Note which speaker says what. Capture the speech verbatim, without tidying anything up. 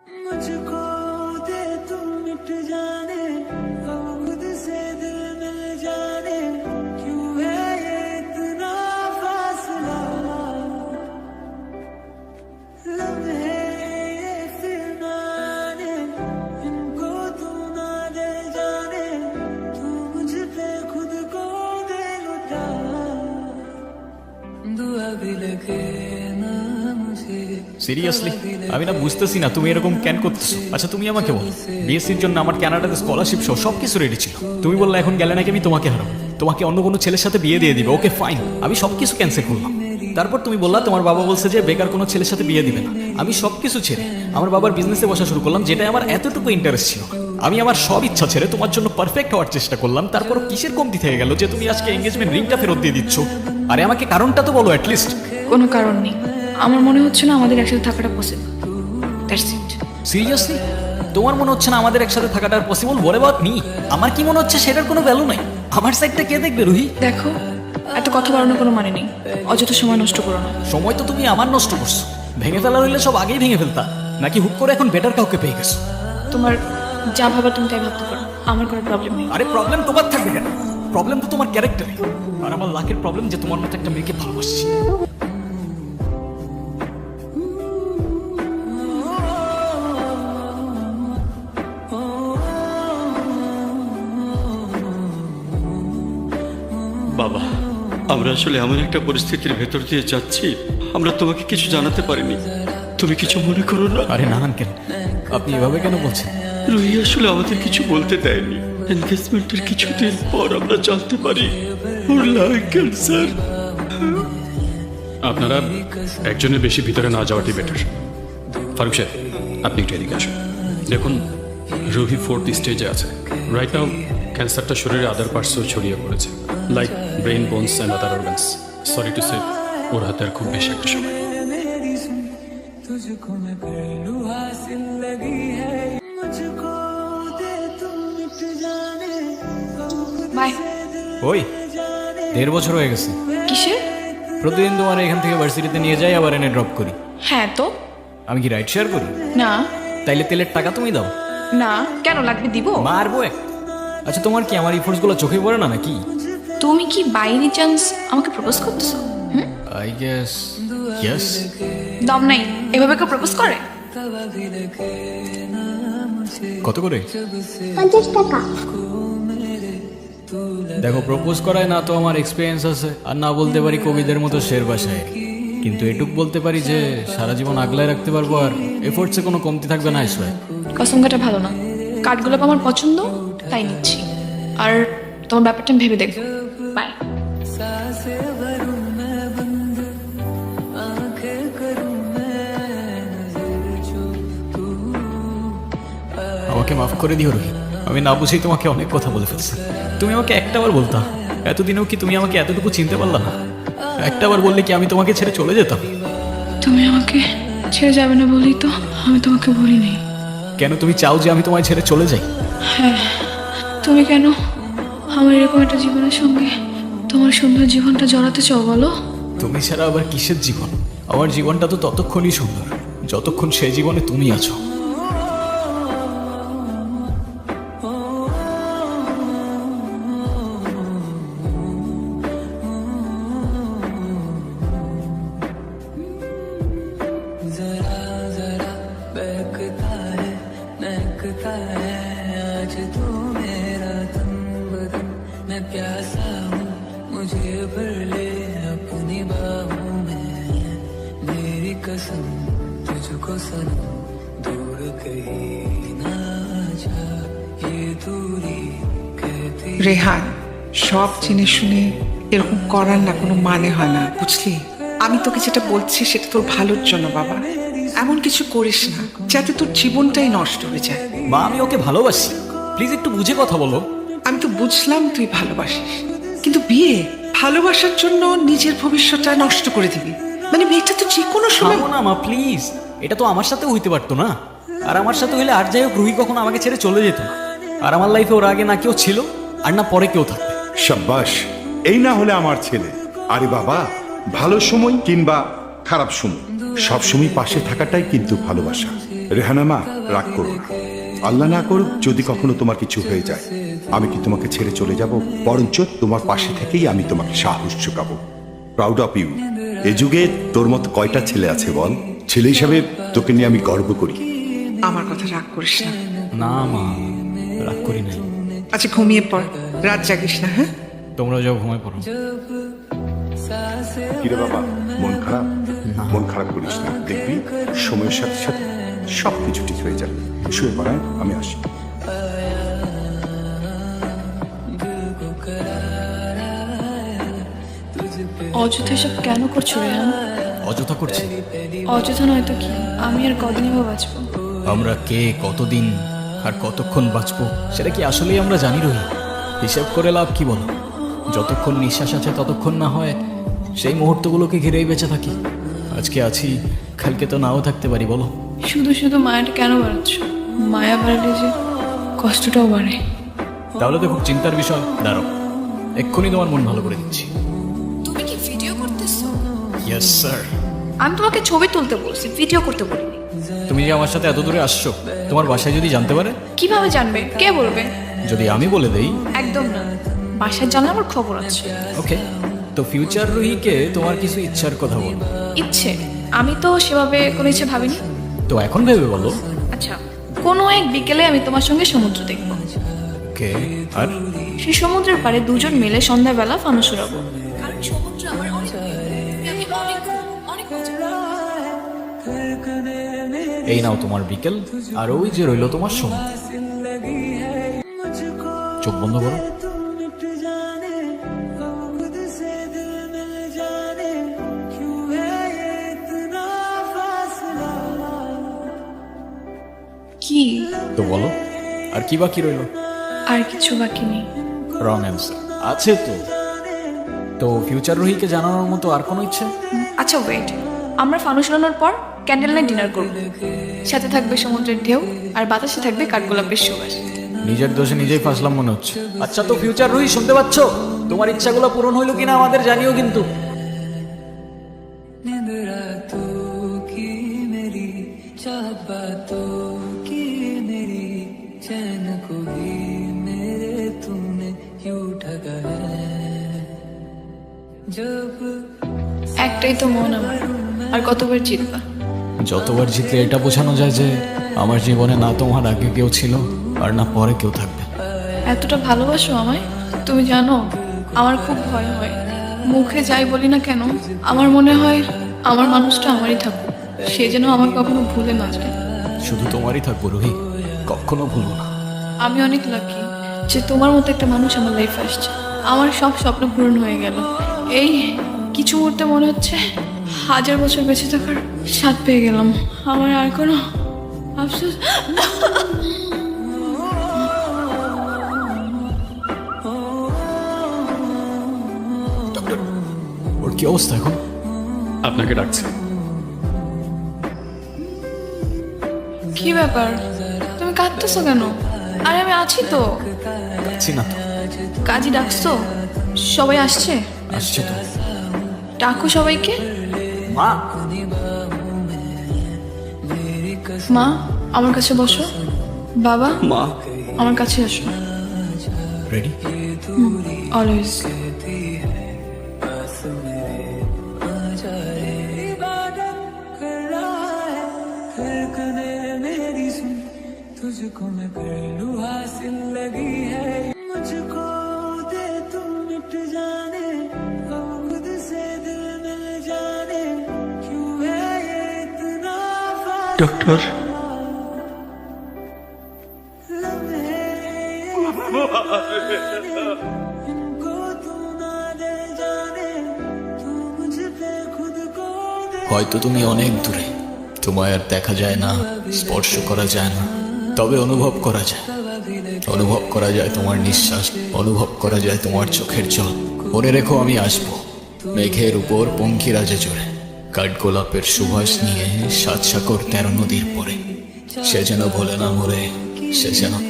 Speaker 1: Seriously আমি না বুঝতেছি না তুমি এরকম কেন করতেছো। আচ্ছা তুমি আমাকে বলো, বিএসসির জন্য আমার কানাডাতে স্কলারশিপ সহ সবকিছু রেডি ছিল, তুমি বললে এখন গেলে নাকি আমি তোমাকে হারাবো, তোমাকে অন্য কোনো ছেলের সাথে বিয়ে দিয়ে দিবে। ওকে ফাইন, আমি সবকিছু ক্যান্সেল করলাম। তারপর তুমি বললা তোমার বাবা বলছে যে বেকার কোনো ছেলের সাথে বিয়ে দিবে না। আমি সবকিছু ছেড়ে আমার বাবার বিজনেসে বসা শুরু করলাম, যেটাই আমার এতটুকু ইন্টারেস্ট ছিল। আমি আমার সব ইচ্ছা ছেড়ে তোমার জন্য পারফেক্ট হওয়ার চেষ্টা করলাম। তারপর কিসের কমতি থেকে গেল যে তুমি আজকে এঙ্গেজমেন্ট রিংটা ফেরত দিয়ে দিচ্ছ? আরে আমাকে কারণটা তো বলো অ্যাটলিস্ট।
Speaker 2: কোনো কারণ নেই, আমার মনে হচ্ছে না আমাদের একসাথে থাকাটা পসিবল। That's it.
Speaker 1: সিরিয়াসলি তোমার মনে হচ্ছে না আমাদের একসাথে থাকাটা পসিবল? What about me? আমার কি মনে হচ্ছে সেটার কোনো ভ্যালু নাই? আমার সাইডটা কে দেখবে রুহি?
Speaker 2: দেখো, এত কথা বাড়ানোর কোনো মানে নেই, অযথা সময় নষ্ট করো না।
Speaker 1: সময় তো তুমি আমার নষ্ট করছো। ভেঙে ফেলা হইলে সব আগেই ভেঙে ফেলতা, নাকি হুক করে এখন বেটার কাউকে পেয়ে গেছো?
Speaker 2: তোমার যা ভাবার তুমি তাই ভাবতে পারো, আমার কোনো প্রবলেম নেই।
Speaker 1: আরে প্রবলেম তোমার থাকবে কেন? প্রবলেম তো তোমার ক্যারেক্টারে। আর আমার লাখের প্রবলেম যে তোমার মতো একটা মেয়েকে ভালোবাসছি।
Speaker 3: বাবা, আমরা আসলে এমন একটা পরিস্থিতির ভেতর দিয়ে যাচ্ছি, আমরা তোমাকে কিছু জানাতে পারিনি। তুমি কিছু মনে করো না।
Speaker 1: আরে না আঙ্কেল, আপনি এভাবে কেন বলছেন?
Speaker 3: রুহি আসলে আমাদের কিছু বলতে দেয়নি। এনগেজমেন্টের কিছুদিন পর আমরা জানতে পারি ওর লাং ক্যান্সার।
Speaker 4: আপনারা একজনের বেশি ভিতরে না যাওয়াটি বেটার। ফারুক সাহেব, আপনি একটু এদিকে আসুন। দেখুন, রুহি ফোর্থ স্টেজে আছে। রাইট নাও ক্যান্সারটা শরীরে আদার পার্টসও ছড়িয়ে পড়েছে, like brain, bones and other organs. Sorry to say, ওর হাতে আর খুব বেশি একটা সময়।
Speaker 2: বাই।
Speaker 1: ওই দেড় বছর হয়ে গেছে।
Speaker 2: কিসের?
Speaker 1: প্রতিদিন তোমার এখান থেকে ভার্সিটিতে নিয়ে যাই, আবার এনে ড্রপ করি।
Speaker 2: হ্যাঁ তো।
Speaker 1: আমি কি রাইড শেয়ার করি?
Speaker 2: না।
Speaker 1: তাইলে তেলের টাকা তুমি দাও।
Speaker 2: না, কেন লাগবে? দিব।
Speaker 1: মারবো এক। আচ্ছা তোমার কি আমার ইফোর্টস গুলো চোখে পড়ে না নাকি?
Speaker 2: তুমি কি বাই এনি চান্স আমাকে প্রপোজ করতেছো? হুম,
Speaker 1: আই গেস ইয়েস।
Speaker 2: দম নাই, এভাবে কেউ প্রপোজ করে?
Speaker 1: কত করে?
Speaker 5: পঞ্চাশ টাকা।
Speaker 1: দেখো, প্রপোজ করায় না তো আমার এক্সপিরিয়েন্স আছে, আর না বলতে পারি কবিদের মতো শের ভাষায়, কিন্তু এটুক বলতে পারি যে সারা জীবন আগলায় রাখতে পারবো, আর এফোর্টসে কোনো কমতি থাকবে না। আইসবাই
Speaker 2: কসম কাটা ভালো না, কাঠগোলাপ আমার পছন্দ তাই নিচ্ছি। আর তোমার ব্যাপারটা আমি ভেবে দেখবো। বাই।
Speaker 1: আমাকে মাফ করে দিও রোহিত, আমি না বুঝেই তোমাকে অনেক কথা বলে ফেলছি। তুমি আমাকে একটাবার বলতা, এতদিনেও কি তুমি আমাকে এতটুকু চিনতে পারলা না? একটাবার বললে কি আমি তোমাকে ছেড়ে চলে যেতাম?
Speaker 2: তুমি আমাকে ছেড়ে যাবে না বলেই তো আমি তোমাকে বলিনি।
Speaker 1: কেন তুমি চাও যে আমি তোমায় ছেড়ে চলে যাই?
Speaker 2: হ্যাঁ, তুমি কেন আমার এরকম একটা জীবনের সঙ্গে তোমার সুন্দর জীবনটা জড়াতে চাও বলো?
Speaker 1: তুমি ছাড়া আবার কিসের জীবন? আমার জীবনটা তো ততক্ষণই সুন্দর যতক্ষণ সেই জীবনে তুমি আছো।
Speaker 6: রেহান, সব জেনে শুনে এরকম করার না কোনো মানে হয় না, বুঝলি? আমি তোকে যেটা বলছি সেটা তোর ভালোর জন্য বাবা। এমন কিছু করিস না যাতে তোর জীবনটাই নষ্ট হয়ে যায়।
Speaker 1: মা, আমি ওকে ভালোবাসি, প্লিজ একটু বুঝে কথা বলো।
Speaker 6: আমি তো বুঝলাম তুই ভালোবাসিস, কিন্তু বিয়ে ভালোবাসার জন্য নিজের ভবিষ্যৎটা নষ্ট করে দিবি? মানে মেয়েটা তো যে কোনো সময়।
Speaker 1: না মা প্লিজ, এটা তো আমার সাথে হইতে পারতো না। আর আমার সাথে হইলে আর যাই হোক রুহি কখনো আমাকে ছেড়ে চলে যেত না। আর আমার লাইফে ওর আগে না কেউ ছিল আর না পরে কেউ থাকবে।
Speaker 7: শাবাশ, এই না হলে আমার ছেলে। আরে বাবা, ভালো সময় কিংবা খারাপ সময় সব সময় পাশে থাকাটাই কিন্তু ভালোবাসা। রেহানা মা, রাগ করো না। আল্লাহ না করুক যদি কখনো তোমার কিছু হয়ে যায়, আমি কি তোমাকে ছেড়ে চলে যাব? বরঞ্চ তোমার পাশে থেকেই আমি তোমাকে সাহস যোগাবো। Proud of you. এ যুগে তোর মতো কয়টা ছেলে আছে বল? ছেলে হিসাবে তোকে নিয়ে আমি গর্ব করি।
Speaker 6: আমার কথা রাগ করিস না।
Speaker 1: না মা, রাগ করি নাই।
Speaker 6: আচ্ছা ঘুমিয়ে পড়, রাত জাগিস না। হ্যাঁ,
Speaker 1: তোমরা যাও, ঘুমায় পড়ো।
Speaker 7: কিরে বাবা, মন খারাপ? মন খারাপ করিস না, দেখবি সময়ের সাথে সাথে সব কিছু ঠিক হয়ে যাবে। শুয়ে পড়ায়, আমি আসি।
Speaker 2: অযথা এসব কেন করছো রেহান?
Speaker 1: অযথা করছি?
Speaker 2: অযথা নয়তো কি? আমি আর কদিনই বা বাঁচবো?
Speaker 1: আমরা কে, কতদিন আর কতক্ষণ বাঁচবো সেটা কি আসলেই আমরা জানি রহি? হিসাব করে লাভ কি বলো? যতক্ষণ নিঃশ্বাস আছে ততক্ষণ না হয় সেই মুহূর্তগুলোকে ঘিরেই বেঁচে থাকি। আজকে আছি, কালকে তো নাও থাকতে পারি, বলো?
Speaker 2: শুধু শুধু মায়াটা কেন বাড়াচ্ছ? মায়া বাড়লে যে কষ্টটাও বাড়ে।
Speaker 1: তাহলে তো খুব চিন্তার বিষয়। দাঁড়াও, এক্ষুনি তোমার মন ভালো করে দিচ্ছি।
Speaker 2: তুমি কি ভিডিও করতেছো?
Speaker 1: Yes sir.
Speaker 2: আমি তোমাকে ছবি তুলতে বলছি, ভিডিও করতে বলিনি।
Speaker 1: তুমি যে আমার সাথে এত দূরে আসছো, তোমার বাসায় যদি জানতে পারে?
Speaker 2: কিভাবে জানবে? কে বলবে?
Speaker 1: যদি আমি বলে দেই?
Speaker 2: একদম না, বাসায় জানলে আমার খবর আছে।
Speaker 1: ওকে, তো ফিউচার রুহিকে তোমার কিছু ইচ্ছার কথা বলো।
Speaker 2: ইচ্ছে? আমি তো সেভাবে কোনো ইচ্ছে ভাবিনি।
Speaker 1: তো এখন ভেবে বলো।
Speaker 2: আচ্ছা, কোনো এক বিকেলে আমি তোমার সঙ্গে সমুদ্র দেখবো।
Speaker 1: ওকে, আর?
Speaker 2: সেই সমুদ্রের পাড়ে দুজন মিলে সন্ধ্যাবেলা ফানুস উড়াবো। কারণ সমুদ্র আমার অনেক প্রিয়। আমি অনেক অনেক মজা করব।
Speaker 1: এই নাও তোমার বিকেল, আর ওই যে রইলো তোমার সময়। চোখ বন্ধ করো।
Speaker 2: কি?
Speaker 1: তো বলো, আর কি বাকি রইলো?
Speaker 2: আর কিছু বাকি নেই।
Speaker 1: Wrong answer. আছে তো। তো ফিউচার রুহিকে জানানোর মতো আর কোনো ইচ্ছে?
Speaker 2: আচ্ছা ওয়েট, আমরা ফানুস উড়ানোর পর ক্যান্ডেল নাইট ডিনার করব। সাথে থাকবে সমুদ্রের ঢেউ, আর বাতাসে থাকবে কাঠগোলাপের সুবাস।
Speaker 1: নিজের দোষে নিজেই ফাঁসলাম মনে হচ্ছে। আচ্ছা, তো ফিউচার রুহি, শুনতে পাচ্ছ? তোমার ইচ্ছাগুলো পূরণ হইলো কিনা আমাদের জানিও কিন্তু।
Speaker 2: একটাই তো মন আমার, আর কতবার জিতবা?
Speaker 1: যতবার জিতলে এটা বোঝানো যায় যে আমার জীবনে না তোমার আগে কেউ ছিল আর না পরে কেউ থাকবে।
Speaker 2: এতটা ভালোবাসো আমায়? তুমি জানো আমার খুব ভয় হয়। মুখে যাই বলি না কেন, আমার মনে হয় আমার মানুষটা আমারই থাকুক, সে যেন আমাকে কখনো ভুলে না যায়।
Speaker 1: শুধু তোমারই থাকবো রুহি, কখনো ভুলবো না।
Speaker 2: আমি অনেক লাকি যে তোমার মতো একটা মানুষ আমার লাইফে আসছে। আমার সব স্বপ্ন পূরণ হয়ে গেল। এই কিছু মুহূর্তে মনে হচ্ছে হাজার বছর বেঁচে থাকার স্বাদ পেয়ে গেলাম। আমার আর কোনো আফসোস।
Speaker 1: ওর কি অবস্থা এখন?
Speaker 4: আপনাকে ডাকছে।
Speaker 2: কি ব্যাপার, তুমি কাঁদতেছো কেন? আরে আমি আছি তো।
Speaker 1: যাচ্ছি না তো।
Speaker 2: কাজী ডাকছো? সবাই আসছে?
Speaker 1: আসছে তো।
Speaker 2: ডাকো সবাইকে।
Speaker 1: মা,
Speaker 2: মা আমার কাছে বসো। বাবা
Speaker 3: মা,
Speaker 2: আমার কাছে আসো।
Speaker 1: রেডি?
Speaker 2: অলওয়েজ।
Speaker 5: तुझको मैं कर लूं हासिल लगी है मुझको दे तू मिट जाने हम खुद से दिल मिल जाने क्यों है ये इतना
Speaker 3: ডক্টর,
Speaker 5: इनको तू ना दे जाने तू मुझ पे खुद को दे
Speaker 1: হয়তো তুমি অনেক দূরে, তোমায় আর দেখা যায় না, স্পর্শ করা যায় না, তবে অনুভব করা যায়। অনুভব করা যায় তোমার নিঃশ্বাস, অনুভব করা যায় তোমার চোখের জল। মনে রেখো আমি আসবো মেঘের উপর পঙ্খিরাজে চড়ে, কাঠগোলাপের সুবাস নিয়ে সাত সাগর তেরো নদীর পরে। সে যেন ভোলে না মরে, সে যেন